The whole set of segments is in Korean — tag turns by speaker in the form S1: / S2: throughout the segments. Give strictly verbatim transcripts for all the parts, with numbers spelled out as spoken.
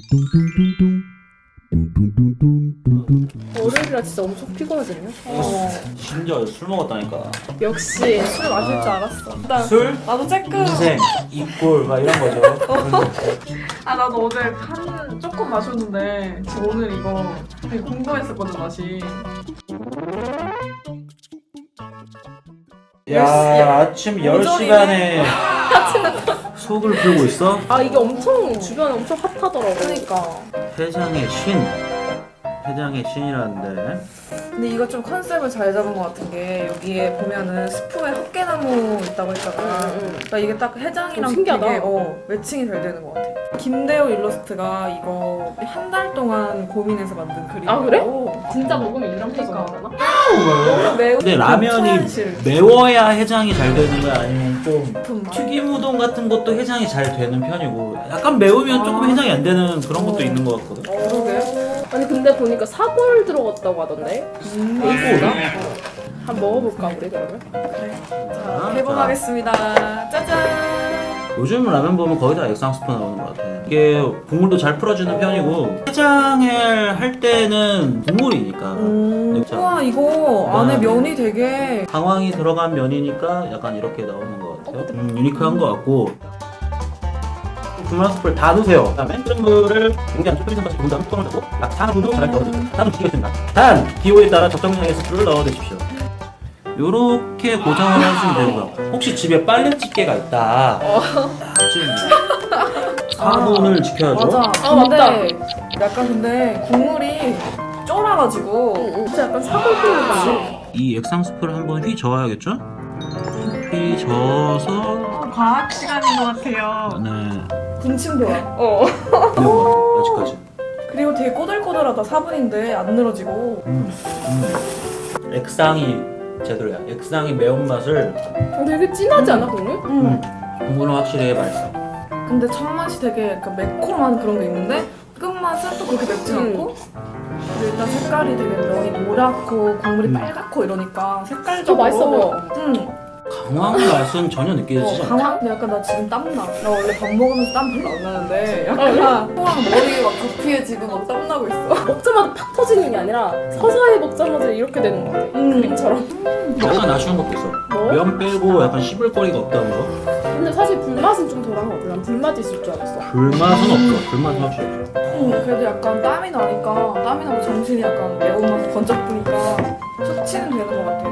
S1: 월요일이라 진짜 엄청 피곤하거든요.
S2: 어. 심지어 술 먹었다니까.
S1: 역시 술 마실 줄 알았어. 일단
S2: 술,
S1: 나도 체크.
S2: 인생, 이꼴 막 이런 거죠.
S3: 아 나도 어제 한 조금 마셨는데 지금 오늘 이거 되게 궁금했었거든 맛이.
S2: 야, 아침 열 시간에 속을 풀고 있어?
S1: 아 이게 엄청 주변에 엄청 핫하더라고.
S3: 그러니까.
S2: 회장의 신. 회장의 신이라는데.
S3: 근데 이거 좀 컨셉을 잘 잡은 것 같은 게 여기에 보면은 스프에 헛개나무 있다고 했잖아.
S1: 응, 응.
S3: 그러니까 이게 딱 해장이랑
S1: 좀 신기하다.
S3: 되게 어, 매칭이 잘 되는 것 같아. 김대호 일러스트가 이거 한 달 동안 고민해서 만든 그림이고.
S1: 아, 그래? 진짜 먹으면 이런 표정
S3: 그러니까.
S1: 나오나?
S3: 너무 매우
S2: 근데 라면이
S3: 초현실.
S2: 매워야 해장이 잘 되는 거야? 아니면 좀
S3: 깊은 맛.
S2: 튀김 우동 같은 것도 해장이 잘 되는 편이고 약간 매우면 조금
S3: 아.
S2: 해장이 안 되는 그런 것도
S3: 어.
S2: 있는 것 같거든.
S3: 그러게.
S1: 아니 근데 보니까 사골 들어갔다고 하던데.
S3: 음.
S1: 베이스가? 한번 먹어볼까 우리 그러면?
S3: 자, 개봉하겠습니다. 짜잔.
S2: 요즘 라면 보면 거의 다 액상 스프 나오는 것 같아. 이게 국물도 잘 풀어주는 편이고 해장을 할 때는 국물이니까
S3: 음.
S2: 자,
S3: 우와 이거 안에 면이 되게
S2: 강황이 들어간 면이니까 약간 이렇게 나오는 것 같아요. 음, 유니크한 것 같고 분말 스프를 다 넣으세요. 그다음에 끓은 물을 굉장히 좁혀진 것을 본 다음 뚜껑을 닫고 약 사 분 정도 잘 넣어주세요. 다음 지키겠습니다. 단! 기호에 따라 적정량의 스프를 넣어주십시오. 요렇게 고정을 해주시면 되는 거야. 혹시 집에 빨래집게가 있다. 사 분을 지켜야죠.
S3: 맞아.
S1: 아,
S3: 근데
S1: 맞다.
S3: 약간 근데 국물이 쫄아가지고
S1: 진짜 약간 사골 뿌리는 맛이.
S2: 이 액상 스프를 한번 휘 저어야겠죠? 휘 저어서
S3: 과학 시간인 것 같아요.
S2: 네
S3: 군침 돌아.
S1: 어.
S2: 매운 것 같아요 아직까지.
S3: 그리고 되게 꼬들꼬들하다. 사 분인데 안 늘어지고.
S2: 음, 음. 액상이 제대로야. 액상이 매운맛을
S1: 어, 되게 진하지 않아 국물?
S3: 음.
S2: 국물은 확실히 맛있어.
S3: 근데 첫 맛이 되게 약간 매콤한 그런 게 있는데 끝맛은 또 그렇게 맵지
S1: 음.
S3: 않고. 근데 일단 색깔이 되게 면이 노랗고 국물이
S2: 음.
S3: 빨갛고 이러니까 색깔도
S1: 더 맛있어 보여.
S3: 응.
S2: 강황 맛은 전혀 느껴지지
S3: 어,
S2: 않아.
S3: 강황? 근데 약간 나 지금 땀나. 나 원래 밥 먹으면서 땀 별로 안 나는데
S1: 아,
S3: 약간 토랑 머리에 막 두피에 지금 막 땀 나고 있어.
S1: 먹자마자 팍 터지는 게 아니라 서서히 먹자마자 이렇게 되는 것 같아.
S3: 음.
S1: 그림처럼.
S2: 약간 아쉬운 것도 있어.
S1: 뭐?
S2: 면 빼고 약간 씹을거리가 없다는 거.
S1: 근데 사실 불맛은 좀 덜한 것 같아. 난 불맛이 있을 줄 알았어.
S2: 불맛은 없어. 불맛은 확실히 없어.
S3: 응, 그래도 약간 땀이 나니까 땀이 나고 정신이 약간 매운맛 번쩍 드니까 숙취는 되는 것 같아.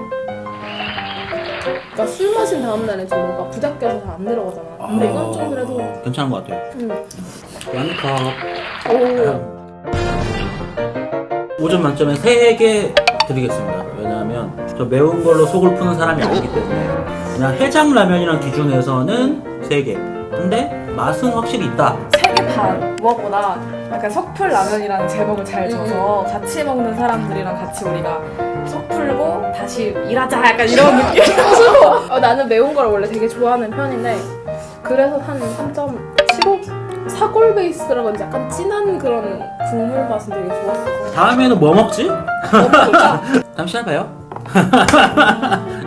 S1: 그러니까 술 마신 다음 날에 좀 뭔가 부닥겨서 잘 안 내려가잖아. 근데 이건 좀 그래도
S2: 괜찮은 것 같아요.
S1: 음.
S2: 완컵.
S1: 오.
S2: 오 점 만점에 세 개 드리겠습니다. 왜냐하면 저 매운 걸로 속을 푸는 사람이 아니기 때문에 그냥 해장 라면이란 기준에서는 세 개. 근데 맛은 확실히 있다.
S3: 세 개 반. 무엇보다 약간 석풀 라면이라는 제목을 잘 줘서 같이 먹는 사람들이랑 같이 우리가 속 풀고 다시 일하자 약간 이런 느낌.
S1: 어, 나는 매운 걸 원래 되게 좋아하는 편인데 그래서 한 삼 점 칠오? 사골 베이스라 그런지 약간 진한 그런 국물 맛은 되게 좋았어.
S2: 다음에는 뭐 먹지?
S1: 너무 좋다.
S2: 다음 시간에 봐요.